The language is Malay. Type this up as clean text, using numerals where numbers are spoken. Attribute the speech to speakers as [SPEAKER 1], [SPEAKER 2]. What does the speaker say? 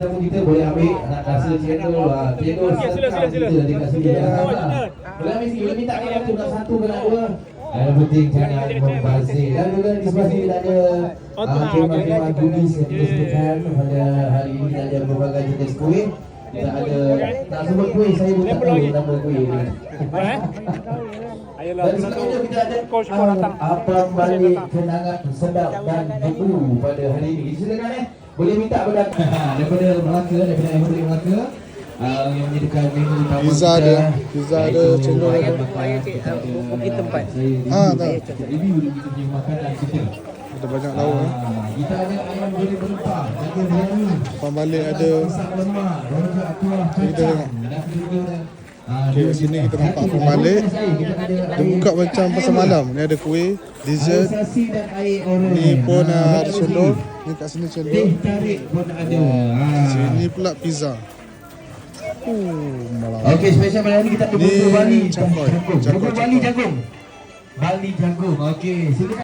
[SPEAKER 1] Kita boleh ambil nak rasa cendol cendol sila kita dekat sini boleh ambil sini, boleh minta kita nak satu ke nak dua. Yang penting jangan membazir. Dan juga di sebelah sini kita ada khemah-khemah goodies yang kita sediakan pada hari ini. Kita ada berbagai jenis kuih. Kita ada, nak sebut kuih, saya pun tak tahu nama kuih ni. Dan selanjutnya kita ada abang balik kenangan sedap dan beku pada hari ini. Silakan boleh minta daripada Melaka, daripada MOD Melaka yang menyediakan menu utama
[SPEAKER 2] pizza
[SPEAKER 1] kita.
[SPEAKER 2] Pizza ada, cendol ada.
[SPEAKER 3] Bukit tempat.
[SPEAKER 1] Tak. Review kita punya makanan kita.
[SPEAKER 2] Ada banyak lauk
[SPEAKER 1] Kita ada ayam goreng berempah, daging biryani.
[SPEAKER 2] Depan balik ada.
[SPEAKER 1] Pisang lemak, rojak kuah
[SPEAKER 2] Kita
[SPEAKER 1] kacang.
[SPEAKER 2] tengok.
[SPEAKER 1] Dan juga
[SPEAKER 2] Okay, sini kita nampak pun balik. Dia buka macam pasar malam. Ni ada kuih, dessert. Ni pun ada cendol. Ni kat sini cendol.
[SPEAKER 1] Tarik pun ada.
[SPEAKER 2] Sini pula pizza. Malam.
[SPEAKER 1] Okey, special malam ni kita ada
[SPEAKER 2] Ni
[SPEAKER 1] bubur Bali
[SPEAKER 2] cangkoi.
[SPEAKER 1] Bubur Bali jagung. Bali jagung. Okey, silakan.